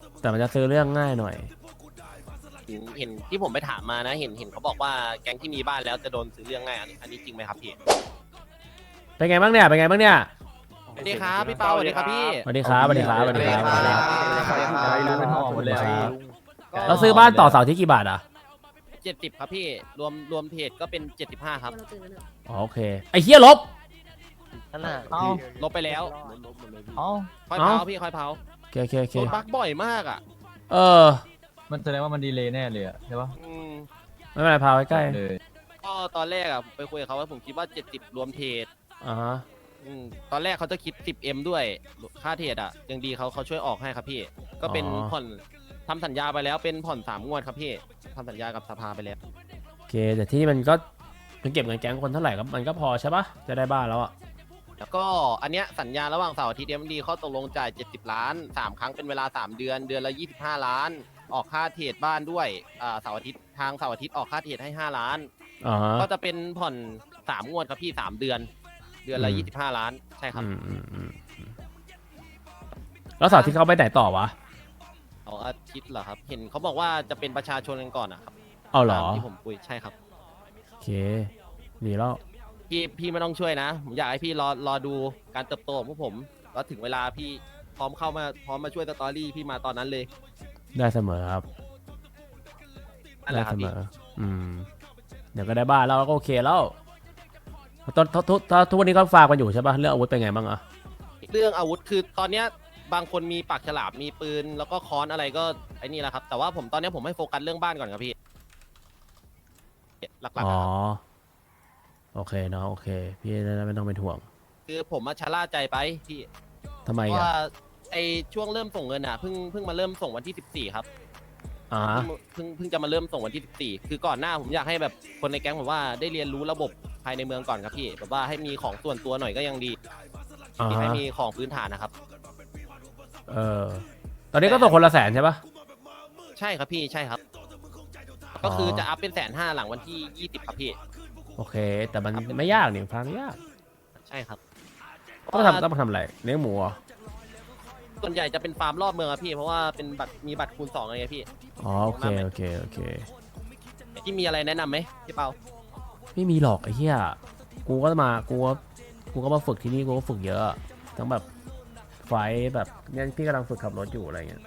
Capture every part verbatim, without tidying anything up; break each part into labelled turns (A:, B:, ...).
A: แต่มันจะซื้อเรื่องง่ายหน่อย
B: เห็นเห็นที่ผมไปถามมานะเห็นเห็นเขาบอกว่าแก๊งที่มีบ้านแล้วจะโดนซื้อเรื่องง่ายอันนี้อันนี้จริงไหมครับพี่
A: เป็นไงบ้างเนี่ยเป็นไงบ้างเนี่ย
B: สวัสดีครับพี่เปาสวัสดีครับพี่
A: สวัสดีครับสวัสดีครับสวัสดีครับ
B: สวัสดีครับ
C: เป็นห่อหมดเลย
A: เราซื้อบ้านต่อเสาที่กี่บาทอ่ะ
B: เจ็ดสิบครับพี่รวมรวมเพจก็เป็นเจ็ดสิบห้าครับ
A: อ๋อโอเคไอ้เฮียลบ
B: นั่นน่ะ
C: เอ้า
B: ลบไปแล้ว
C: เอ้า
B: ค่อย
A: เอ้า
B: เผาพี่ค่อยเผา
A: โอเคโอเคโอเค
B: โดนบั๊กบ่อยมากอ่ะ
A: เออ
C: มันแสดงว่ามันดีเลย์แน่เลยอะใช่ปะ
B: อืม
A: ไม่เป็นไรพาไว้ใกล้
C: เลย
B: ก็ตอนแรกอ่ะไปคุยกับเขาว่าผมคิดว่าเจ็ดสิบรวมเทรด
A: อ่าฮะ
B: อืมตอนแรกเขาจะคิด สิบเอ็ม ด้วยค่าเทรดอ่ะยังดีเขาเขาช่วยออกให้ครับพี่ ก็เป็นผ่อนทำสัญญาไปแล้วเป็นผ่อนสามงวดครับพี่ทำสัญญากับสภาไปแล้ว
A: โอเคแต่ที่มันก็มันเก็บเงินแก๊งคนเท่าไหร่ก็มันก็พอใช่ปะจะได้บ้านแล้วอ่ะ
B: แล้วก็อันเนี้ยสัญญาระหว่างเสาร์อาทิตย์เอ็มดีเขาตกลงจ่ายเจ็ดสิบล้านสามครั้งเป็นเวลาสามเดือนเดือนละยี่สิบห้าล้านออกค่าเทรดบ้านด้วยอ่าเสาร์อาทิตย์ทางเสาร์อาทิตย์ออกค่าเทรดให้ห้าล้าน
A: อ่าฮะ
B: ก็จะเป็นผ่อนสามงวดครับพี่สามเดือน เดือนละ
A: อืม
B: ยี่สิบห้าล้านใช่ครับ
A: อืมอืมอืมอืมแล้วเสาร์ที่เขาไปไหนต่อวะ
B: สองอาทิตย์เหรอครับ เห็นเขาบอกว่าจะเป็นประชาชนกันก่อนนะครับ
A: เอาเหรอ
B: ตามที่ผมคุยใช่ครับ
A: โอเคดีแล้ว
B: พี่พี่ไม่ต้องช่วยนะผมอยากให้พี่รอรอดูการเติบโตของพวกผมแล้วถึงเวลาพี่พร้อมเข้ามาพร้อมมาช่วยสตอรี่พี่มาตอนนั้นเลย
A: ได้เสมอครับ
B: นั่นแห
A: ได้
B: ละครั
A: เส
B: บ
A: ม
B: พี่
A: ออืมเดี๋ยวก็ได้บ้านแล้วก็โอเคแล้วตอนทุกทุกทุกวันนี้ก็ฝากกันอยู่ใช่ปะเรื่องอาวุธเป็นไงบ้างอะ
B: เรื่องอาวุธคือตอนเนี้ยบางคนมีปากฉลามมีปืนแล้วก็ค้อนอะไรก็ไอ้นี่แหละครับ แต่ว่าผมตอนเนี้ยผมให้โฟกัสเรื่องบ้านก่อนครับพี่หลักๆ
A: อ๋อ
B: อะครับ
A: โอเคเนาะโอเค พี่ไม่ต้องเป็นห่วง
B: คือผมมาชะล่าใจไปพี่
A: ทำไม
B: เพราะ
A: อ่ะ
B: ว่าไอช่วงเริ่มส่งเงินอ่ะเพิ่งเพิ่งมาเริ่มส่งวันที่สิบสี่ครับ
A: อ่า
B: เพิ่งเพิ่งเพิ่งจะมาเริ่มส่งวันที่สิบสี่คือก่อนหน้าผมอยากให้แบบคนในแก๊งผมว่าได้เรียนรู้ระบบภายในเมืองก่อนครับพี่แบบว่าให้มีของส่วนตัวหน่อยก็ยังดี
A: อ่า
B: ที่ให้
A: ฮะ
B: มีของพื้นฐานนะครับ
A: เออตอนนี้ก็ตกคนละแสนใช่ปะ
B: ใช่ครับพี่ใช่ครับ ก็คือจะอัพเป็นแสนห้าหลังวันที่ยี่สิบครับพี่
A: โอเค แต่มันไม่ยากนี่ฟังไม่ยาก
B: ใช่ครับ
A: ต้องทำต้องมาทำอะไรเลี้ยงหมูเหรอ
B: ส่วนใหญ่จะเป็นฟาร์มรอบเมืองครับพี่เพราะว่าเป็นบัตรมีบัตรคูณสองอะไรพี่
A: อ๋อโอเคโอเคโอเค
B: ที่มีอะไรแนะนำไหมพี่เปา
A: ไม่มีหรอกไอ้เหี้ยกูก็มากูก็กูก็มาฝึกที่นี่กูก็ฝึกเยอะทั้งแบบไฟท์แบบเนี่ยพี่กำลังฝึกขับรถอยู่อะไรเงี้ย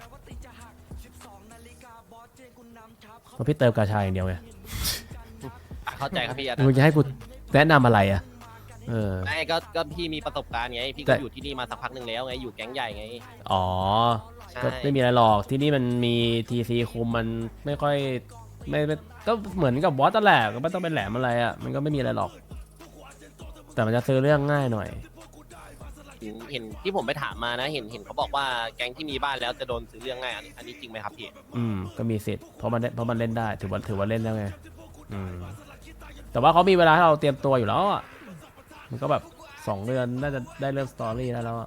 A: เพราะพี่เติมกาชาอย่างเดียวไง
B: อ่ะเข้าใจครับพี่อ่ะ
A: มึงจะให้กูแนะนำอะไรอ่ะเออ
B: ไม่ก็ก็พี่มีประสบการณ์ไงพี่
A: แต่
B: ก็อยู่ที่นี่มาสักพักหนึ่งแล้วไงอยู่แก๊งใหญ่ไง
A: อ๋อ
B: ใช่
A: ก็ไม่มีอะไรหรอกที่นี่มันมีทีซีคุมมันไม่ค่อยไม่ไม่ก็เหมือนกับบอสนั่นแหละก็ไม่ต้องเป็นแหลมอะไรอ่ะมันก็ไม่มีอะไรหรอก แต่มันจะซื้อเรื่องง่ายหน่อย
B: เห็นเห็นที่ผมไปถามมานะ เห็นเห็นเขาบอกว่าแก๊งที่มีบ้านแล้วจะโดนซื้อเรื่องง่ายอันนี้อันนี้จริงไหมครับพี่
A: อืมก็มีสิทธิ์เพราะมันเพราะมันเล่นได้ถือว่าถือว่าเล่นแล้วไงอืมแต่ว่าเขามีเวลาให้เราเตรียมตัวอยู่แล้วอ่ะมันก็แบบสองเดือนน่าจะได้เริ่มสตอรี่ได้แล้วอะ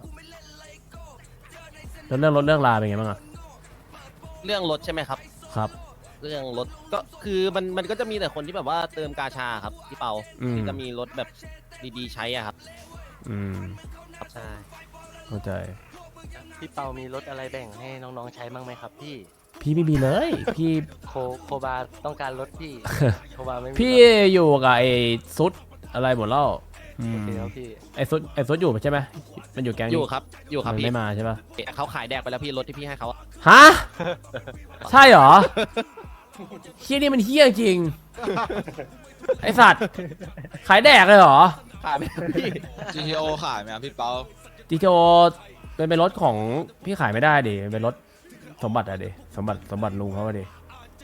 A: แล้วเรื่องรถเรื่องลาเป็นไงบ้างอ่ะ
B: เรื่องรถใช่ไหมครับ
A: ครับ
B: เรื่องรถก็คือมันมันก็จะมีแต่คนที่แบบว่าเติมกาชาครับพี่เปา
A: อืม
B: ที่จะมีรถแบบดีๆใช้อะครับ
A: อืม
B: ครับใช่
A: เข้าใจ
D: พี่เปามีรถอะไรแบ่งให้น้องๆใช้บ้างไหมครับพี่
A: พี่ไม่มีเลย พี่
D: โคโคบาต้องการรถพี่ โคบาไม่มี
A: พี่
D: รถ
A: อยู่กับไอ้ซุดอะไรหมดแล้วอื
D: โอ
A: ม
D: เคครับพี่
A: ไอ้ซุดไอ้ซุดอยู่ใช่ไหมมันอยู่แก๊ง
B: อ
A: นี้
B: ยู่ครับอยู่ครับ
A: มัน
B: พี่
A: ไม่มาใช่ปะ
B: เขาขายแดกไปแล้วพี่รถที่พี่ให้เขาอะ
A: ฮะ ใช่เหรอเฮียนี่มันเฮี้ยจริง ไอสัตว์ ขายแดกเลยเหรอ
B: ขายไปแล้วพี่
E: จี ที โอ ขายไหมครับพี่เปา
A: จีโอเป็นเป็นรถของพี่ขายไม่ได้ดิเป็นรถสมบัติอะดิสมบัติสมบัติลุงเขาอะดิ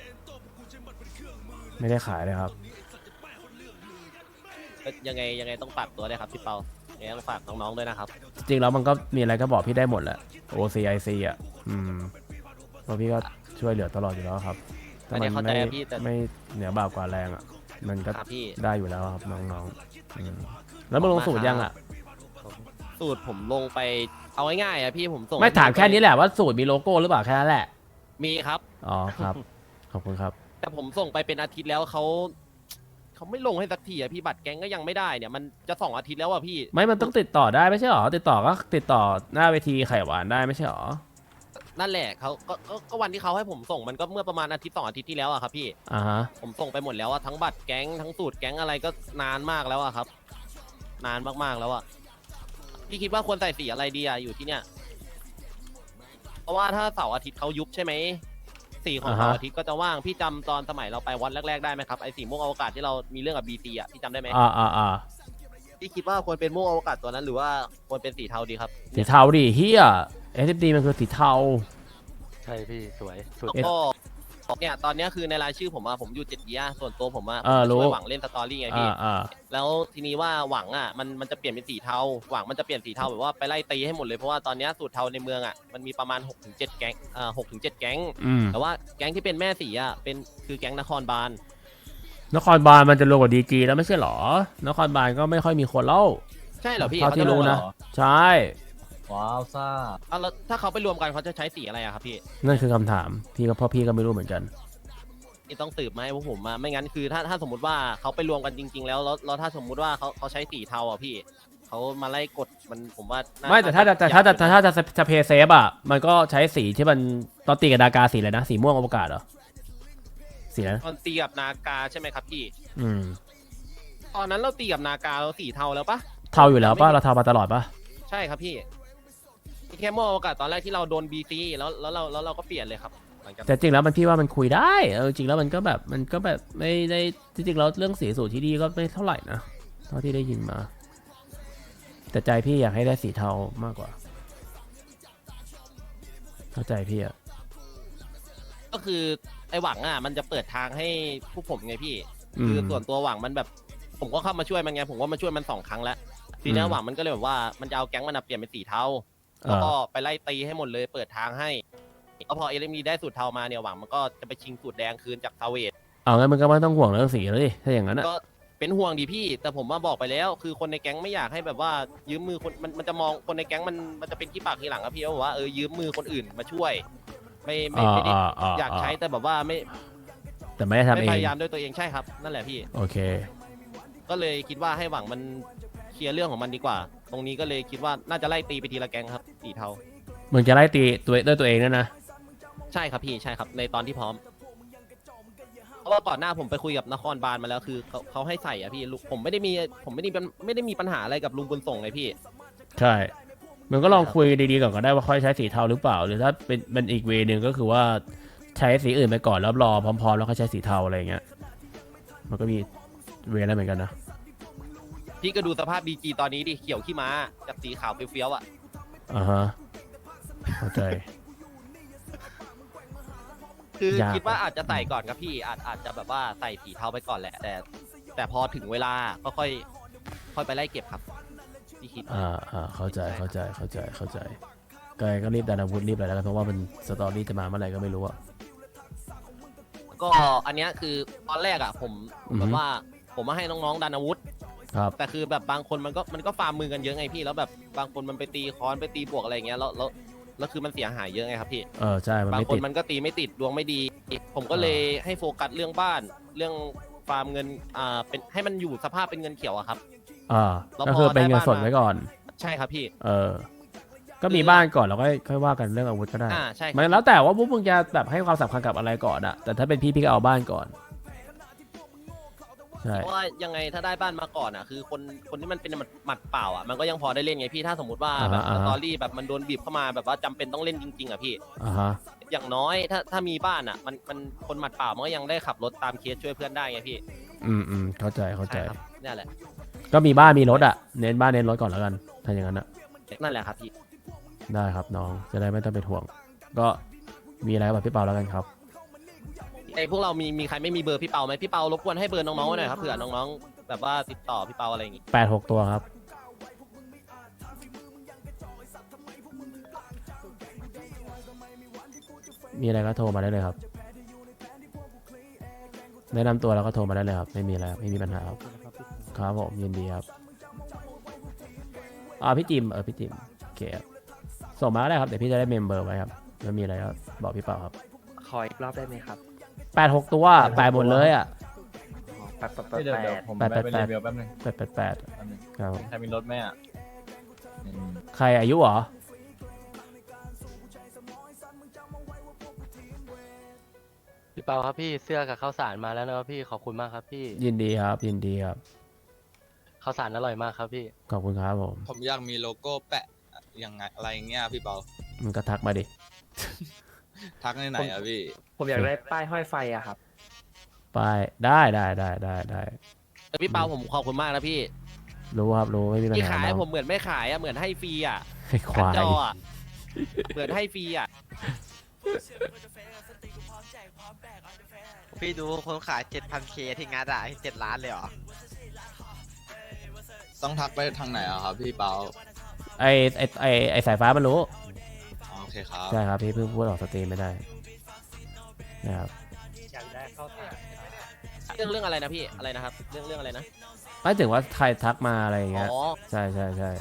A: ไม่ได้ขายเลยครับ
B: ยังไงยังไงต้องฝากตัวด้วยครับพี่เปายังไงต้องฝากน้องๆด้วยนะครับ
A: จริงๆแล้วมันก็มีอะไรก็บอกพี่ได้หมดแหละ โอ ซี ไอ ซี อ่ะอืมเพราะพี่ก็ช่วยเหลือตลอดอยู่แล้วครับถ้ามัน
B: อันนี้
A: ไม่
B: เข้าใจพี่แต่
A: ไม่เหนือบ่าวกว่าแรงอ่ะ มันก็
B: ครับพี่
A: ได้อยู่แล้วครับน้องๆอืมแล้วมึงลงสูตรยังอ่ะ
B: สูตรผมลงไปเอาง่ายๆอะพี่ผมส่ง
A: ไม่ถามแค่นี้แหละว่าสูตรมีโลโก้หรือเปล่าแค่นั้นแหละ
B: มีครับ
A: อ๋อครับ ขอบคุณครับ
B: แต่ผมส่งไปเป็นอาทิตย์แล้วเขาเขาไม่ลงให้สักทีอะพี่บัตรแก๊งก็ยังไม่ได้เนี่ยมันจะสองอาทิตย์แล้วอะพี่
A: ไม่มันต้องติดต่อได้ไม่ใช่หรอ ติดต่อก็ติดต่อหน้าเวทีไข่หวานได้ไม่ใช่หรอ
B: นั่นแหละเขาก็ก็ก็วันที่เขาให้ผมส่งมันก็เมื่อประมาณอาทิตย์สองอาทิตย์ที่แล้วอะครับพี่
A: อ่าฮะ
B: ผมส่งไปหมดแล้วอะทั้งบัตรแก๊งทั้งสูตรแก๊งอะไรก็นานมากแล้วอะครับ นานมากๆแล้วอะพี่คิดว่าควรใส่สีอะไรดีอะอยู่ที่เนี่ยเพราะว่าถ้าเสาร์อาทิตย์เขายุบใช่ไหมสีของ
A: อ่าฮะ
B: เสาร์อาทิตย์ก็จะว่างพี่จำตอนสมัยเราไปวัดแรกๆได้ไหมครับไอ้สีม่วงอวกาศที่เรามีเรื่องกับบีซีอะพี่จำได้ไหม
A: อ่าอ่าอ่า
B: พี่คิดว่าควรเป็นม่วงอวกาศตัวนั้นหรือว่าควรเป็นสีเทาดีครับ
A: สีเทาดิเฮียเอสดีมันคือสีเทา
D: ใช่พี่สวยสุด
B: แล้วก็เนี่ยตอนเนี้ยคือในรายชื่อผมอะผมอยู่เจ็ดเยียส่วนตัวผมอะ
A: เออรู้
B: ช่วยหวังเล่นสตอรี่ไงพี่
A: อ่าอ่า
B: แล้วทีนี้ว่าหวังอ่ะมันมันจะเปลี่ยนเป็นสีเทาหวังมันจะเปลี่ยนสีเทาแบบว่าไปไล่ตีให้หมดเลยเพราะว่าตอนเนี้ยสูตรเทาในเมืองอ่ะมันมีประมาณ หกถึงเจ็ด แก๊งอ่าหกถึงเจ็ดแก๊ง
A: อืม
B: แต่ว่าแก๊งที่เป็นแม่สีอ่ะเป็นคือแก๊งนครบาล
A: นครบาลมันจะรวมกับดีจีแล้วไม่ใช่หรอนครบาลก็ไม่ค่อยมีคนเล่า
B: ใช่เหรอพี่
A: เท่าที่รู้นะ ใช่
C: ว้าวซ่า
B: เอาแล้วถ้าเขาไปรวมกันเขาจะใช้สีอะไรอะครับพี่
A: นั่นคือคำถามพี่ก็พ่อพี่ก็ไม่รู้เหมือนกัน
B: นี่ต้องสืบไหมาให้พวกผมมาไม่งั้นคือถ้าถ้าสมมติว่าเขาไปรวมกันจริง ๆ แล้วแล้วแล้วถ้าสมมุติว่าเขาเขาใช้สีเทาอ่ะพี่เขามาไล่กดมันผมว่าน่
A: ไม่แต่ถ้าจะแต่ถ้าจะแต่ถ้าจะจะเพย์เซฟอ่ะมันก็ใช้สีที่มันตอนตีกับดากาสีเลยนะสีม่วงอวกาศเหรอสีนั้น
B: ตอนตีกับนากาใช่ไหมครับพี่
A: อืม
B: ตอนนั้นเราตีกับนากาเราสีเทาแล้วปะ
A: เทาอยู่แล้วป่ะเราเทามาตลอดป่ะ
B: ใช่ครับพี่มีแค่โมโอกาสตอนแรกที่เราโดนบีซีแล้วแล้วเราแล้วเราก็เปลี่ยนเลยครับหลังจาก
A: แต่จริงแล้วมันพี่ว่ามันคุยได้เออจริงแล้วมันก็แบบมันก็แบบไม่ได้จริงๆแล้วเรื่องสีสูตรที่ดีก็ไม่เท่าไหร่นะเท่าที่ได้ยินมา แต่ใจพี่อยากให้ได้สีเทามากกว่าเข้าใจพี่อะ
B: ก็คือไอหวังอ่ะมันจะเปิดทางให้พวกผมไงพี่
A: อื
B: คือ
A: ม
B: ส่วนตัวหวังมันแบบ ผมก็เข้ามาช่วยมันไงผมก็มาช่วยมันสองครั้งแล้วทีนี้
A: อืม
B: หวังมันก็เลยแบบว่ามันจะเอาแก๊งมันอะเปลี่ยนเป็นสีเทา
A: เออ
B: แล้วก็ไปไล่ตีให้หมดเลยเปิดทางให้แล้วพอเอลมีได้สูตรเทามาเนี่ยหวังมันก็จะไปชิงสูตรแดงคืนจากซาเวด
A: เอางั้นมันก็ไม่ต้องห่วงเรื่องสีแล้วดิถ้าอย่างนั้นอะ
B: ก็เป็นห่วงดีพี่ แต่ผมมาบอกไปแล้ว คือคนในแก๊งไม่อยากให้แบบว่ายืมมือคนมันมันจะมองคนในแก๊งมันมันจะเป็นขี้ปากทีหลังครับพี่ว่าแบบว่าเออยืมมือคนอื่นมาช่วย ไม่ไม่ไม่ได้
A: อ่าอ่า
B: อยากใช้แต่แบบว่าไม่
A: แต่ไม่ได้ทำ
B: ไม่
A: เอง
B: พยายามด้วยตัวเองใช่ครับนั่นแหละพี่
A: โอเค
B: ก็เลยคิดว่าให้หวังมันเคลียร์เรื่องของมันดีกว่า ตรงนี้ก็เลยคิดว่าน่าจะไล่ตีไปทีละแก๊งครับสีเทา
A: มึงจะไล่ตีตัวด้วยตัวเองนั่นนะ
B: ใช่ครับพี่ใช่ครับในตอนที่พร้อม เพราะว่าก่อนหน้าผมไปคุยกับนครบาลมาแล้วคือเขาเขาให้ใส่อะพี่ลุงผมไม่ได้มีผมไม่ได้เป็นไม่ได้มีปัญหาอะไรกับลุงบุญส่งเลยพี่
A: ใช่มึงก็ลองคุยดีๆก่อนก็ได้ว่าค่อยใช้สีเทาหรือเปล่า หรือถ้าเป็นเป็นอีกเวนึงก็คือว่าใช้สีอื่นไปก่อนแล้วรอพร้อมๆแล้วค่อยใช้สีเทาอะไรอย่างเงี้ยมันก็มีเวนั้นเหมือนกันนะ
B: พี่ก็ดูสภาพดีจีตอนนี้ดิเขียวขี้ม้าจากสีขาวเฟี้ยวๆอ่ะ
A: อ่าฮะเข้าใจ
B: คือย
A: าก
B: คิดว่าอาจจะใส่ก่อนครับพี่อาจอาจจะแบบว่าใส่สีเทาไปก่อนแหละ แต่แต่พอถึงเวลาก็ค่อยค่อยไปไล่เก็บครับพี่คิด
A: อ่าอ่าเข้าใจเข้าใจเข้าใจเข้าใจก็ก็รีบดันอาวุธรีบอะไรแล้วกันเพราะว่ามันสตอรี่จะมาเมื่อไหร่ก็ไม่รู้อะ
B: ก็อันเนี้ยคือตอนแรกอ่ะผม
A: อือฮึ
B: แบบว่าผมมาให้น้องๆดันอาวุธ
A: ครับ
B: แต่คือแบบบางคนมันก็มันก็ฟาร์มมือกันเยอะไงพี่แล้วแบบบางคนมันไปตีค้อนไปตีบวกอะไรอย่างเงี้ยแล้วแล้วแล้วคือมันเสียหายเยอะไงครับพี่
A: เออใช่มัน
B: บาง
A: ไม่
B: คน
A: ติด
B: มันก็ตีไม่ติดดวงไม่ดี ผมก็เลยให้โฟกัสเรื่องบ้าน เรื่องฟาร์มเงินอ่าเป็นให้มันอยู่สภาพเป็นเงินเขียวอะครับ
A: อ่า
B: แล้ว
A: ก็
B: พอ
A: คือเป็นเงิน
B: ได้บ้าน
A: สด
B: มา
A: ไว้ก่อน
B: ใช่ครับพี่
A: เออ ก็มีบ้านก่อนแล้วก็ค่อยว่ากันเรื่องอาวุธก็ได้
B: อ่าใช่ครับ
A: มันแล้วแต่ว่าพวกมึงจะแบบให้ความสำคัญกับอะไรก่อนอะแต่ถ้าเป็นพี่พี่ก็เอาบ้านก่อนใช่
B: เพราะว่ายังไงถ้าได้บ้านมาก่อนอะคือคนคนที่มันเป็นหมัดหมัดเปล่าอะมันก็ยังพอได้เล่นไงพี่ถ้าสมมติว่าแบบสตอรี่แบบมันโดนบีบเข้ามาแบบว่าจำเป็นต้องเล่นจริงๆอะพี่
A: อ่าฮะ
B: อย่างน้อยถ้าถ้ามีบ้านอะมันมันคนหมัดเปล่ามันก็ยังได้ขับรถตามเคสช่วยเพื่อนได้ไงพี่
A: อืมอืมเข้าใจเข้าใจ
B: ใช่ครับนี่นแหละ
A: ก็มีบ้านมีรถอะเน้นบ้านเน้นรถก่อนแล้วกันถ้าอย่างนั้นอะ
B: นั่นแหละครับพี่
A: ได้ครับน้องจะได้ไม่ต้องเป็นห่วง ก็มีอะไรแบบพี่เปาแล้วกันครับ
B: ไอ้พวกเรามีมีใครไม่มีเบอร์พี่เปาไหมพี่เปารบกวนให้เบอร์น้องๆไว้หน่อยครับเผื่อน้องๆแบบว่าติดต่อพี่เปาอะไรอย่างงี้
A: แปดหกตัวครับ มีอะไรก็โทรมาได้เลยครับ แนะนำตัวแล้วก็โทรมาได้เลยครับ ไม่มีอะไรครับไม่มีปัญหาครับ ครับผมยินดีครับอ่าพี่จิมเออพี่จิมโอเคครับส่งมาก็ได้ครับเดี๋ยวพี่จะได้เมมเบอร์ไว้ครับแล้วมีอะไรก็บอกพี่เปาครับ
D: ขออีกรอบได้ไหมครับ
A: แปดหกตัวแปดหมดเลยอ่ะ
D: อ๋อแปดแปดแป
C: เดี๋ยว
D: ด
C: เดี๋ยวผม
A: แปด
C: ไป
A: แปด
C: เป็น
A: แป
C: รี
A: ด
C: วิวแป๊บนึง
A: แปดแปดแปด
C: แป๊บนึง
A: ครับผม
C: ใครมีรถไหมอ่ะอืม
A: ใครอายุเหรอ
D: พี่เปาครับพี่เสื้อกับข้าวสารมาแล้วนะครับพี่ขอบคุณมากครับพี่
A: ยินดีครับยินดีครับ
D: ข้าวสารอร่อยมากครับพี่
A: ขอบคุณครับผม
E: ผมอยากมีโลโก้แปะยังไงอะไรเงี้ยพี่เปา
A: มันก็ทักมาดิ
E: ทักในไหนอะพี่
F: ผมอยากได้ป้ายห้อยไฟอะครับ
A: ไปได้ได้ได้ได้ได้
B: เออพี่เปาผมขอบคุณมากนะพี่
A: รู้ครับรู้ไม่มีปัญ
B: ที่
A: หา
B: ขายให้
A: เนาะ
B: ผมเหมือนไม่ขายอะเหมือนให้ฟรีอะ
A: ให้ควาย
B: จออะเหมือนให้ฟรีอะ
G: พี่ดูคนขาย เจ็ดพันเค ที่งัดอะเจ็ดล้านเลยเหรอ
E: ต้องทักไปทางไหนอะครับพี่เปา
A: ไอไอไอไอสายฟ้ามันรู้
E: อ๋อโอเคครับ
A: ใช่ครับพี่เพิ่งพูดออกสตรีมไม่ได้นะครับ
D: อยากได้ข้าวสาร
B: เรื่องเรื่องอะไรนะพี่อะไรนะครับ เรื่องเรื่องอะไรนะ
A: ไม่ถึงว่าใครทักมาอะไรอย่างเงี้ย
B: อ๋อ
A: ใช่ใช่ใช่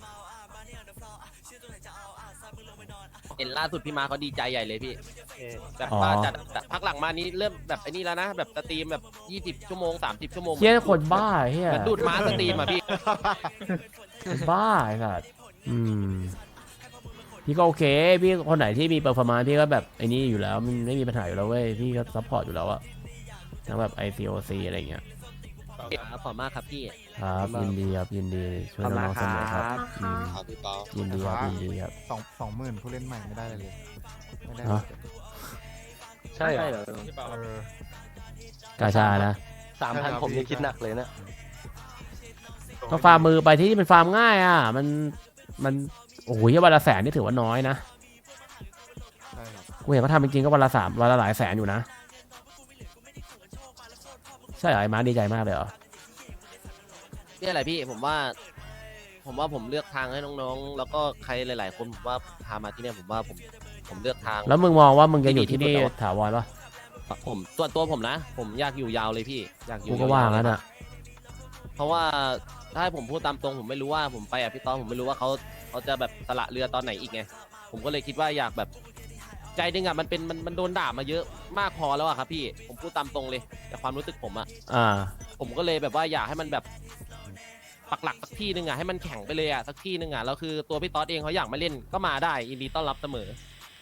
B: เห็นล่าสุดพี่มาเขาดีใจใหญ่เลยพี่
D: เออ
B: แบบ
A: อ๋อ
B: ว่าจัดแต่พักหลังมานี้เริ่มแบบไอ้นี่แล้วนะ แบบสตรีมแบบยี่สิบชั่วโมงสามสิบชั่วโมง
A: เฮียคนบ้าเฮีย
B: เหมือนดูดม้าสตรีมอะพี่
A: คนบ้าไอ้สัสอืมพี่ก็โอเคพี่คนไหนที่มีเปอร์ฟอร์มานซ์พี่ก็แบบไอ้นี่อยู่แล้วมันไม่มีปัญหาอยู่แล้วเว้ยพี่ก็ซัพพอร์ตอยู่แล้วอะทั้งแบบ ไอ ซี โอ ซี อะไรอย่างเงี้ย
B: ขอบคุณมากครับพี่
A: ครับยินดีครับยินดีช่วยน้องๆเสมอครับอืม
E: ครับพี่เปา
A: ยินดีครับยินดีครับ
H: สองสองหมื่นผู้เล่นใหม่ไม่ได้เลยเลยไม่ได้
A: ฮะ
D: ใช่เหรอ
H: เออ
A: กาชานะ
D: สามพันผมนี่คิดหนักเลยนะ
A: ก็ฟาร์มมือไปที่นี่มันฟาร์มง่ายอ่ะมันมันโอ้โหวันละแสนนี่ถือว่าน้อยนะ
H: ใช่ครับ
A: กูเห็นเขาทำจริงๆก็วันละสามวันละหลายแสนอยู่นะใช่เหรอไอ้มาร์คดีใจมากเลยเหรอ
B: นี่อะไรพี่ผมว่า ผมว่าผมเลือกทางให้น้องๆ แล้วก็ใครหลาย ๆ คนผมว่าพามาที่เนี่ยผมว่าผมผมเลือกทาง
A: แล้วมึงมองว่ามึงจะอยู่ที่นี่
B: ที่ดีที่สุดแล้ว
A: ถาวรปะ
B: ผมส่วนตัวผมนะ ผมอยากอยู่ยาวเลยพี่อยากอยู่
A: กูก็ว่างั้น
B: ย
A: อ่ะ
B: ๆเพราะว่าถ้าให้ผมพูดตามตรงผมไม่รู้ว่าผมไปอ่ะพี่ต้อมผมไม่รู้ว่าเขาเขาจะแบบสละเรือตอนไหนอีกไงผมก็เลยคิดว่าอยากแบบใจหนึงอ่ะมันเป็นมันมันโดนด่ามาเยอะมากพอแล้วอะครับพี่ผมพูดตามตรงเลยแต่ความรู้สึกผมอะ
A: อ่า
B: ผมก็เลยแบบว่าอยากให้มันแบบปักหลักสักที่หนึงอ่ะให้มันแข็งไปเลยอ่ะสักที่หนึงอ่ะแล้วคือตัวพี่ต๊อดเองเขาอยากมาเล่นก็มาได้ยินดีต้อนรับเสมอ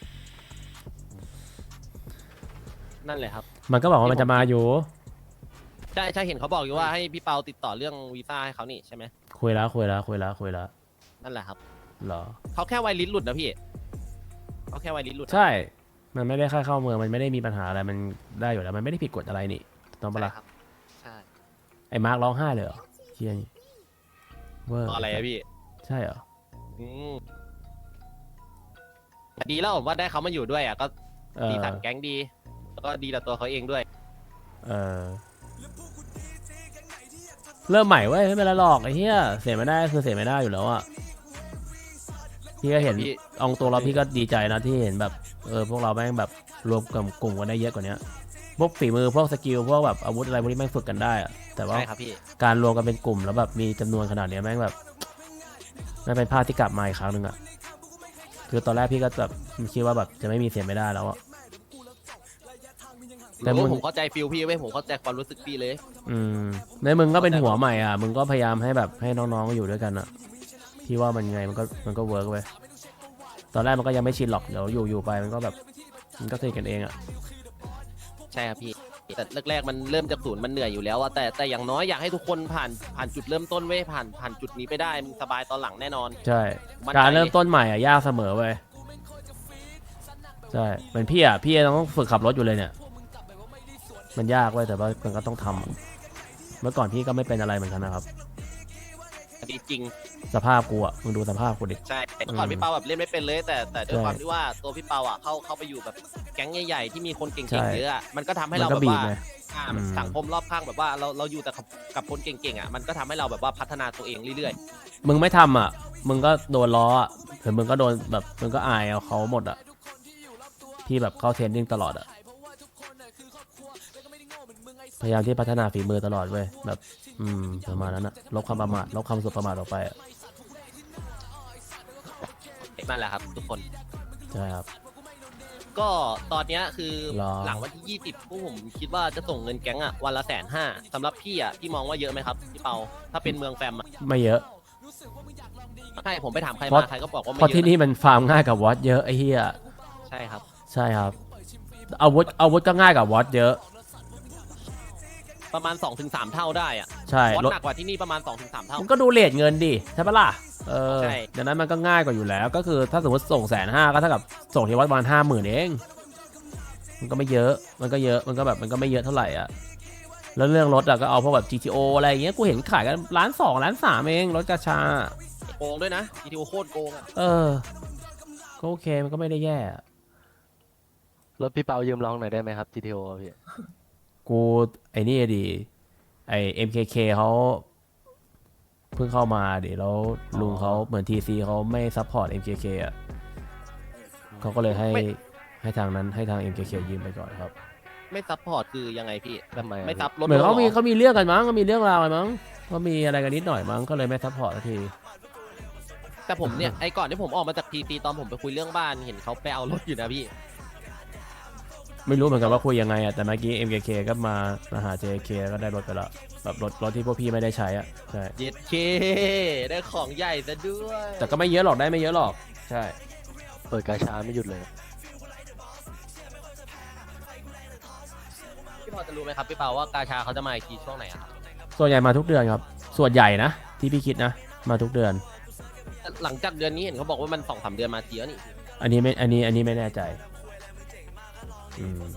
B: นั่นแหละครับ
A: มันก็บอกว่ามันจะมาอยู่
B: ใช่ใช่เห็นเขาบอกอยู่ว่าให้พี่เปาติดต่อเรื่องวีซ่าให้เขานี่ใช่ไหม
A: คุยแล้วคุยแล้วคุยแล้วคุยแล้ว
B: นั่นแหละครับ
A: เหรอ
B: เขาแค่ไวลิ้นหลุดนะพี่เขาแค่ไวลิ้นหลุด
A: ใช่ มันไม่ได้ค่าเข้าเมืองมันไม่ได้มีปัญหาอะไรมันได้อยู่แล้วมันไม่ได้ผิดกฎอะไรนี่ต้องปะ
B: ใช่
A: ล่ะ
B: ครับใช่
A: ไอ้มาร์คร้องไห้เลยเหรอเชียนี่เวอร์
B: อะไรอะพี่
A: ใช่เหรอ
B: อืมแต่ดีแล้วผมว่าได้เขามาอยู่ด้วยอ่ะก็
A: เอ
B: ดี
A: อ
B: สันแก๊งดี แล้วก็ดีต่อตัวเขาเองด้วย
A: เออเริ่มใหม่เว้ยไม่เป็นไรหรอกไอ้เหี้ยเสียไม่ได้คือเสียไม่ได้อยู่แล้วอ่ะพี่ก็เห็น
B: พี่
A: เองตัวเราพี่ก็ดีใจนะที่เห็นแบบเออพวกเราแม่งแบบรวมกับกลุ่มกันได้เยอะกว่านี้พวกฝีมือพวกสกิลพวกแบบอาวุธอะไรพวกนี้แม่งฝึกกันได้อะแต่ว่า
B: ใช่ครับพี่
A: การรวมกันเป็นกลุ่มแล้วแบบมีจำนวนขนาดเนี้ยแม่งแบบนั่นเป็นภาพที่กลับมาอีกครั้งหนึ่งอะคือตอนแรกพี่ก็แบบคิดว่าแบบจะไม่มีเสียไม่ได้แล้วอะ แต่
B: แต่
A: มึง
B: ผมเข้าใจฟิลพี่เว้ยผมเข้าใจความรู้สึกพี่เลย
A: อืมในมึงก็เป็นหัวใหม่อ่ะมึงก็พยายามให้แบบให้น้องๆอยู่ด้วยกันอะพี่ว่ามันไงมันก็มันก็เวิร์กเว้ยตอนแรกมันก็ยังไม่ชินหรอกเดี๋ยวอยู่อยู่ไปมันก็แบบมันก็สนิทกันเองอะ
B: ใช่ครับพี่ แต่แรกๆมันเริ่มจากศูนย์มันเหนื่อยอยู่แล้วอะแต่แต่อย่างน้อยอยากให้ทุกคนผ่านผ่านจุดเริ่มต้นเว้ยผ่านผ่านจุดนี้ไปได้มันสบายตอนหลังแน่นอน
A: ใช่
B: มั่นใจ
A: การเริ่มต้นใหม่อ่ะยากเสมอเว้ยใช่เหมือนพี่อ่ะพี่ต้องฝึกขับรถอยู่เลยเนี่ยมันยากเว้ยแต่ว่ามันก็ต้องทำอะเมื่อก่อนพี่ก็ไม่เป็นอะไรเหมือนกันนะครับ
B: ดีจริง
A: สภาพกูอ่ะมึงดูสภาพกูดิ
B: ใช่เมื่อก่อนพี่เปาแบบเล่นไม่เป็นเลย แต่แต่ด้วย
A: ใช่
B: ความที่ว่าตัวพี่เปาอ่ะเข้าเข้าไปอยู่แบบแก๊งใหญ่ๆที่มีคนเก่
A: ใช่
B: งๆเยอะอะมันก็ทำให้
A: มั
B: เรา
A: นก็
B: แบบ
A: บีบ
B: ว่า
A: ไง
B: อ่า
A: อืม
B: สังคมรอบข้างแบบว่าเราเราอยู่แต่กับกับคนเก่งๆอ่ะมันก็ทำให้เราแบบว่าพัฒนาตัวเองเรื่อย
A: มึงไม่ทำอ่ะมึงก็โดนล้ออ่ะหรือมึงก็โดนแบบมึงก็อายเอาเขาหมดอ่ะพี่แบบเข้าเทรนนิ่งตลอดอ่ะพยายามที่พัฒนาฝีมือตลอดเว้ยแบบอืมประมาณนั้นอ่ะลบความประมาทลบความสุดประมาทออกไปอ่ะ
B: ๆนั่นแหละครับ ทุกคน
A: ใช่ครับ
B: ก็ตอนเนี้ยคือ
A: หรอ
B: หลังวันที่ยี่สิบพวกผมคิดว่าจะส่งเงินแก๊งอ่ะวันละแสนห้าสำหรับพี่อ่ะพี่มองว่าเยอะไหมครับพี่เปาถ้าเป็นเมืองแฟมอ่ะ
A: ไม่เยอะ
B: ใช่ผมไปถามใคร
A: เพราะ
B: มาใครก็บอกว่าไม่
A: เพราะ
B: เย
A: ที่
B: อะ
A: นี่มันฟาร์มง่ายกับวอตเยอะไอ้เหี้ย
B: ใช่ครับ
A: ใช่ครับอาวุธอาวุธก็ง่ายกว่าวอตเยอะ
B: ประมาณ สองถึงสาม เท่าได้อะ
A: ใช่
B: วอต
A: รถ
B: หนักกว่าที่นี่ประมาณ สองถึงสาม เท่า
A: มันก็ดูเลทเงินดิใช่ปะล่ะเออ
B: ใช่
A: ดังนั้นมันก็ง่ายกว่าอยู่แล้ว ก็คือถ้าสมมติส่งแสนห้าก็เท่ากับส่งที่วัดประมาณห้าหมื่นเองมันก็ไม่เยอะมันก็เยอะมันก็แบบมันก็ไม่เยอะเท่าไหร่อ่ะแล้วเรื่องรถอะก็เอาพวกแบบ จี ที โอ อะไรอย่างเงี้ยกูเห็นขายกันล้านสองล้านสามเองรถกระชา
B: โกงด้วยนะ จี ที โอ โคตรโกงอะ
A: เออก็โอเคมันก็ไม่ได้แย่
D: รถพี่เปายืมลองหน่อยได้ไหมครับ จี ที โอ พี่
A: กูไอ้นี่ดิไอ เอ็ม เค เค เขาเพิ่งเข้ามาดิแล้วลุงเขาเหมือน ที ซี เขาไม่ซัพพอร์ต เอ็ม เค เค อ่ะเขาก็เลยให้ให้ทางนั้นให้ทาง เอ็ม เค เค ยืมไปก่อนครับ
B: ไม่ซับพอร์ตคือยังไงพี่
D: ทำไมอะ
B: ไม่ซับรถ
A: เหมือนเขามี
B: รถ
A: เขามีเรื่องกันมั้งเขามีเรื่องราวอะไรมั้งเขามีอะไรกันนิดหน่อยมั้งก็เลยไม่ซัพพอร์ตสักที
B: แต่ผมเนี่ย ไอ้ก่อนที่ผมออกมาจากทีซีตอนผมไปคุยเรื่องบ้านเห็นเขาไปเอารถอยู่นะพี่
A: ไม่รู้เหมือนกันว่าคุยยังไงอ่ะแต่เมื่อกี้ เอ็ม เค เค ก็มามาหา เจ เค ก็ได้รถไปละแบบรถรถที่พวกพี่ไม่ได้ใช้อ่ะใช่
B: เย็ดเค ได้ของใหญ่ซะด้วย
A: แต่ก็ไม่เยอะหรอกได้ไม่เยอะหรอกใช่
D: เปิดกาชาไม่หยุดเลย
B: พี่พอจะรู้ไหมครับพี่เปาว่ากาชาเขาจะมาอีกทีช่วงไหนอะครับ
A: ส่วนใหญ่มาทุกเดือนครับส่วนใหญ่นะที่พี่คิดนะมาทุกเดือน
B: หลังจากเดือนนี้เห็นเขาบอกว่ามันสองสามเดือนมาทีแล้วนี่
A: อันนี้ไม่ อันนี้ อันนี้ไม่แน่ใจ อืม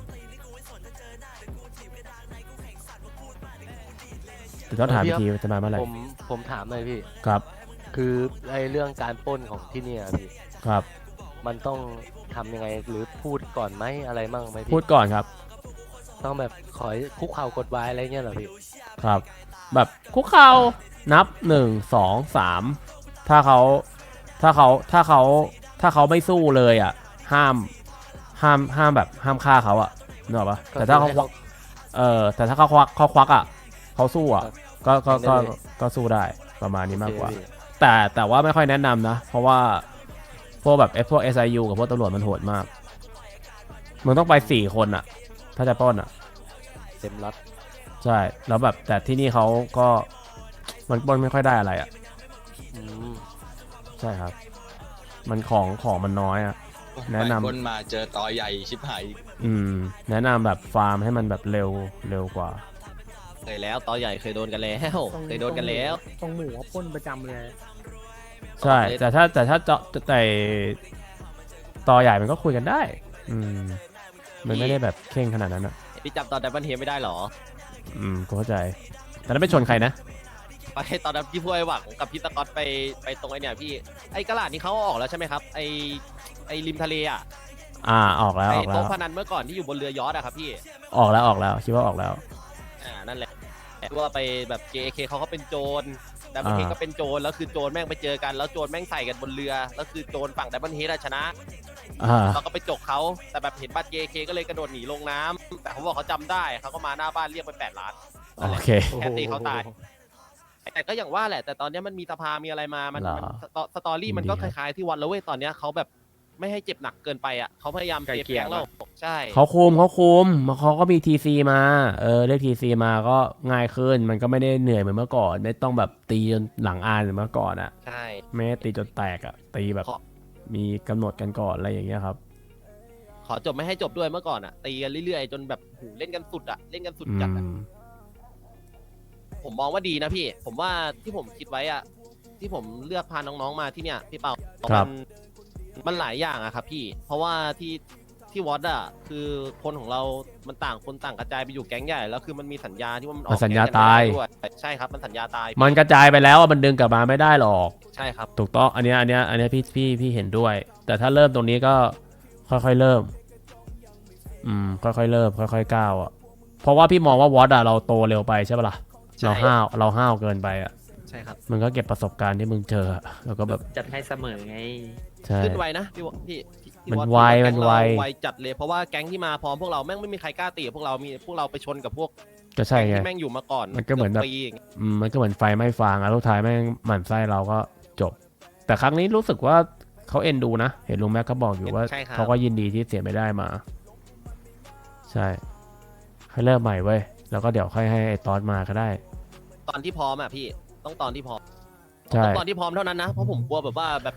A: แต่ต้องถามอีกทีว่าจะมาเมื่อไหร่
D: ผมผมถามหน่อยพี่
A: ครับ
D: คือไอ้เรื่องการปล้นของที่เนี่ยพี่
A: ครับ
D: มันต้องทำยังไงหรือพูดก่อนไหมอะไรมั่งไหมพี่
A: พูดก่อนครับ
D: ต้องแบบขอคุกเข่ากดไว้อะไรเงี้ยเหรอพี่
A: ครับ แบบคุกเข่านับหนึ่งสองสามถ้าเขาถ้าเขาถ้าเขาถ้าเขาไม่สู้เลยอ่ะ ห้าม ห้าม ห้ามแบบ ห้ามฆ่าเขาอ่ะนึกออกปะแต่ถ้าเขาควักเออ แต่ถ้าเขาควักเขาควักอ่ะเขาสู้อ่ะ ก็ ก็ ก็ ก็สู้ได้ ประมาณนี้มากกว่า
D: โอเคพี่
A: แต่แต่ว่าไม่ค่อยแนะนำนะ เพราะว่าพวกแบบพวก เอส ไอ ยู กับพวกตำรวจมันโหดมากมึงต้องไปสี่คนอ่ะ ถ้าจะปล้นอ่ะ
D: เต็มรัด
A: ใช่ แล้วแบบแต่ที่นี่เขาก็มันปล้นไม่ค่อยได้อะไรอ่ะ
D: อืม
A: ใช่ครับ มันของของมันน้อยอ่ะ แนะนำ
E: คนมาเจอต่อใหญ่ชิบหาย
A: อืม แนะนำแบบฟาร์มให้มันแบบเร็วเร็วกว่า
B: เคยแล้วต่อใหญ่เคยโดนกันแล้ว เคยโดนกันแล้ว
F: ตรงหมูเขาพ่นประจำเลย
A: ใช่ แต่ถ้าแต่ถ้าเจาะแต่ต่อใหญ่มันก็คุยกันได้ อืม มันไม่ได้แบบเข่งขนาดนั้นอ่ะ
B: พี่จับตอนดับเบิลเฮดไม่ได้หรอ
A: อืมกูเข้าใจ แต่นั้นไปชนใครนะ
B: ไปตอนนั้นพี่พูดไอ้หวังกับพี่ตะก๊อตไปไปตรงไอ้เนี่ยพี่ไอ้กระดาษนี้เขาเอาออกแล้วใช่ไหมครับไอ้ไอ้ริมทะเลอ่ะ
A: อ่าออกแล้ว
B: ไอ้
A: ออกแล้
B: โต๊ะ
A: ว
B: พนันเมื่อก่อนที่อยู่บนเรือยอชต์อะครับพี่
A: ออกแล้วออกแล้วคิดว่าออกแล้ว
B: อ่านั่นแหละว่าไปแบบ เจ เค เขาก็เป็นโจรดับเบิลเฮด
A: อ่า
B: ก็เป็นโจรแล้วคือโจรแม่งไปเจอกันแล้วโจรแม่งใส่กันบนเรือแล้วคือโจรฝั่งดับเบิลเฮดชนะ
A: อ่า
B: เราก็ไปจกเขาแต่แบบเห็นบัตร เจ เค ก็เลยกระโดดหนีลงน้ำแต่เขาบอกเขาจำได้เขาก็มาหน้าบ้านเรียกไปแปดล้าน
A: โอเค
B: แค่ตีเขาตาย แต่ก็อย่างว่าแหละ แต่ตอนนี้มันมีสภา มีอะไรมา มัน
A: เหรอ
B: มันสตอสตอรี่มันก็คล้ายๆที่วันแล้วเว้ย ตอนเนี้ยเขาแบบไม่ให้เจ็บหนักเกินไปอ่ะเขาพยายาม
F: ไกล
B: เซฟ
F: เกลี่ย
B: แก๊งเราใช่
A: เขาคุมเขาคุมเขาก็มีทีซีมา เออเรียกทีซีมาก็ง่ายขึ้น มันก็ไม่ได้เหนื่อยเหมือนเมื่อก่อน ไม่ต้องแบบตีจนหลังอานเหมือนเมื่อก่อนอ่ะ
B: ใช่
A: ไม่ได้ตีจนแตกอ่ะ ตีแบบ
B: ขอ
A: มีกำหนดกันก่อนอะไรอย่างเงี้ยครับ
B: ขอจบไม่ให้จบด้วยเมื่อก่อนอ่ะ ตีกันเรื่อยๆ จนแบบโหเล่นกันสุดอ่ะ เล่นกันสุด
A: อื
B: จัดอะ
A: ม
B: ผมมองว่าดีนะพี่ ผมว่าที่ผมคิดไว้อ่ะ ที่ผมเลือกพาน้องๆมาที่เนี่ยพี่เปา
A: ครับ
B: มันมันหลายอย่างอะครับพี่ เพราะว่าที่ที่วอตอะคือคนของเรา มันต่างคนต่างกระจายไปอยู่แก๊งใหญ่ แล้วคือมันมีสัญญาที่ว่ามันออก
A: มันสัญญา
B: แก๊งกันไม่
A: ตาย
B: ได้ด้วยใช่ครับ มันสัญญาตายพี่
A: มันกระจายไปแล้วอะมันดึงกลับมาไม่ได้หรอก
B: ใช่ครับ
A: ถูกต้อง อันเนี้ยอันเนี้ยอันเนี้ยพี่พี่พี่เห็นด้วย แต่ถ้าเริ่มตรงนี้ก็ค่อยๆเริ่ม อืม ค่อยๆเริ่ม ค่อยๆก้าวอ่ะ เพราะว่าพี่มองว่าวอตอะเราโตเร็วไปใช่ปะล่ะ
B: ใช่
A: เราห้าวเราห้าวเกินไปอ่ะ
B: ใช่ครับ
A: มันก็เก็บประสบการณ์ที่มึงเจออะแล้วก็แบบ
F: จัดให้เสมอไง
A: ใช่
B: ขึ้นไวนะพี่วพี่พี่พี่
A: มัน
B: อต
A: ไว
B: พี่า
A: มัน
B: แก๊ง
A: ไว
B: เราไวจัดเลย เพราะว่าแก๊งที่มาพร้อมพวกเราแม่งไม่มีใครกล้าตีกับพวกเรา มีพวกเราไปชนกับพวก
A: ก็ใช่
B: แก๊ง
A: ไง
B: ที่แม่งอยู่มาก่อน
A: มันก็เหมือนแบบ
B: กืปีย่างเงี้ย
A: อืมมันก็เหมือนไฟไม่ฟางอ่ะสุดท้ายแม่งหมั่นไส้เราก็จบ แต่ครั้งนี้รู้สึกว่าเขาเอ็นดูนะ เห็นลุงแม็กก็บอกอยู่ว่า
B: ใช่ครับ
A: เขาก็ยินดีที่เสียไม่ได้มา ใช่ให้เริ่มใหม่เว้ยแล้วก็เดี๋ยวค่อยให้ไอ้ตอสมาก็ได้
B: ตอนที่พร้อมอะพี่ ต้องตอนที่พร้อม
A: ใช่
B: ต้องตอนที่พร้อมเท่านั้นนะ เพราะผมกลัวแบบว่าแบบ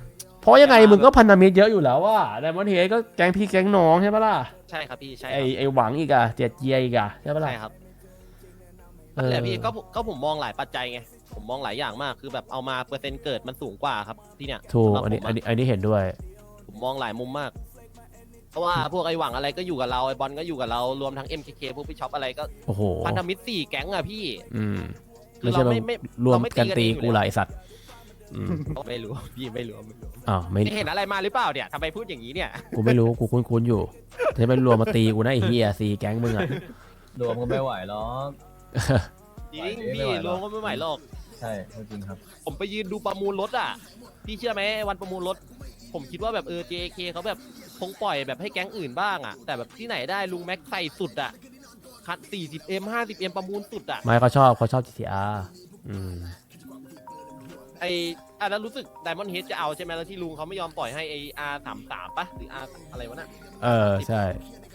A: เพราะยังไงมึงก็พันธมิตรเยอะอยู่แล้วว่าไดมอนด์เฮดก็แก๊งพี่แก๊งน้องใช่ปะล่ะ
B: ใช่ครับพี่ใช่ค
A: ไอ
B: รับ
A: ไอหวังอีกอะเจ็ดเยียอีกอะใช่ปะล่ะ
B: ใช่ครับ
A: เอ
B: นั่น
A: อ
B: แหละพี่ก็ผมก็ผมมองหลายปัจจัยไงผมมองหลายอย่างมากคือแบบเอามาเปอร์เซ็นต์เกิดมันสูงกว่าครับที่เนี่ย
A: ถูก
B: สำหรับ
A: อันนี้
B: ผมะ
A: อันนี้อันนี้เห็นด้วย
B: ผมมองหลายมุมมาก เพราะว่าพวกไอ้หวังอะไรก็อยู่กับเราไอ้บอลก็อยู่กับเรารวมทั้ง เอ็ม เค เค พวกพี่ช็อปอะไรก็
A: โอ้โห
B: พันธมิตรสี่แก๊งอะพี่
A: อืม
B: คือ
A: ไม่ใช่
B: เรา
A: ว่า
B: ไม่ไม่
A: รวม
B: เราไม่ตี
A: กัน
B: กัน
A: ตี
B: เองอยู่
A: กู
B: แล้ว
A: หลายสัตว์อืม
B: ไม่รู้พี่ไม่รู้ไม่รู้
A: อ้าวไม่
B: ไม่เห็นอะไรมาหรือเปล่าเนี่ยทำไมพูดอย่างนี้เนี่ย
A: กูไม่รู้กูคุ้นๆอยู่จะไปรวมมาตีกูนะไอ้เฮียซีแก๊งมึงอะ
C: รวมก็ไม่ไหวหรอก
B: จริง
C: ไม่
B: พี่
C: ไหวหร
B: ร
C: อก
B: วมก็ไม่ไหวหรอก
C: ใช่จริงครับ
B: ผมไปยืนดูประมูลรถอ่ะ พี่เชื่อไหมวันประมูลรถ ผมคิดว่าแบบเออ เจ เค เขาแบบคงปล่อยแบบให้แก๊งอื่นบ้างอ่ะ แต่แบบที่ไหนได้ลุงแม็กใส่สุดอ่ะ คัด สี่สิบเอ็ม ห้าสิบเอ็ม ประมูลสุดอ่ะ
A: ไม่เขาชอบเขาชอบ จี ที อาร์ อืม
B: ไออ่ะแล้วรู้สึก Diamond Head จะเอาใช่ไหมแล้วที่ลุงเขาไม่ยอมปล่อยให้ไอ อาร์ สามสิบสาม ปะหรือ R อะไรวะน่ะ
A: เออใช่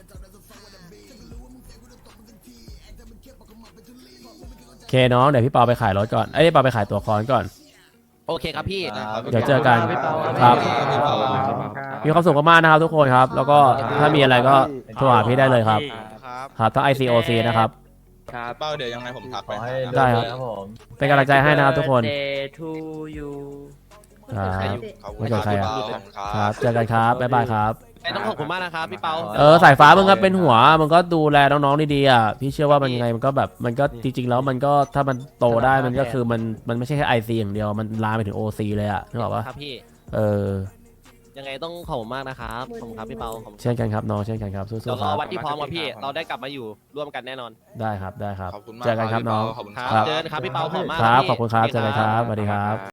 A: โอเคน้องเดี๋ยวพี่เปาไปขายรถก่อนเอ้ยพี่เปาไปขายตัวคอนก่อน
B: โอเคครับพี่
C: ครับ
A: เดี๋ยวเจอกัน
F: พี่เปา
A: ครับ
E: พี่เปา
A: มีความสุขมากๆนะครับทุกคนครับ แล้วก็ถ้ามีอะไรก็โทรหาพี่ได้เลยครับ
G: ครับ
A: ครับทั้ง ไอ ซี โอ ซี นะครับ
F: ครับ
E: เป้าเดี๋ยวยังไงผมทัก
C: ข
E: ไป
C: อให้
E: หา
A: ได้
C: ได้
A: ครับ
C: ครับผม
A: เป็นกำลังใจให้นะครับทุกคน
F: Birthday to you
A: ครับ
E: ขอบคุ
A: ไม่
E: ณ
A: เกิดใคร
E: พี่
A: อะ
E: เปาขอบคุณค
A: ค
E: รั
A: รับ บเจอกันครับบ๊ายบายครับ
B: ไอ้ต้องขอบคุณมากนะครับพี่เปา
A: เออสายฟ้ามึงก็เป็นหัวมึงก็ดูแลน้องๆดีๆอ่ะพี่เชื่อว่ามันยังไงมันก็แบบมันก็จริงๆแล้วมันก็ถ้ามันโตได้มันก็คือมันมันไม่ใช่แค่ไอซีอย่างเดียวมันลามไปถึงโอซีเลยอ่ะนึกออกปะ
B: ครับพี่
A: เออ
B: ยังไงต้องขอบคุณมากนะครับขอบคุณครับพี่เปาขอบคุณ
A: เช่นกันครับน้องเช่นกันครับสู้
B: เดี๋ยว
A: ๆ
B: ร
A: ค
B: อ
A: รับ
B: วันที่พร้อมครับพี่ เราได้กลับมาอยู่ร่วมกันแน่นอน
A: ได้ครับได้ครับ
E: ขอบคุณมาก
A: เจอกันครับ
E: พี่
A: น้อง
E: เปาขอบคุณ
B: ค
E: ค
B: รั
E: รั
B: บบ เจอกันครับพี่เปาขอบคุณมาก
A: ครับ
B: พี่
A: ขอบคุณครับเจอกันครับสวัสดีครับ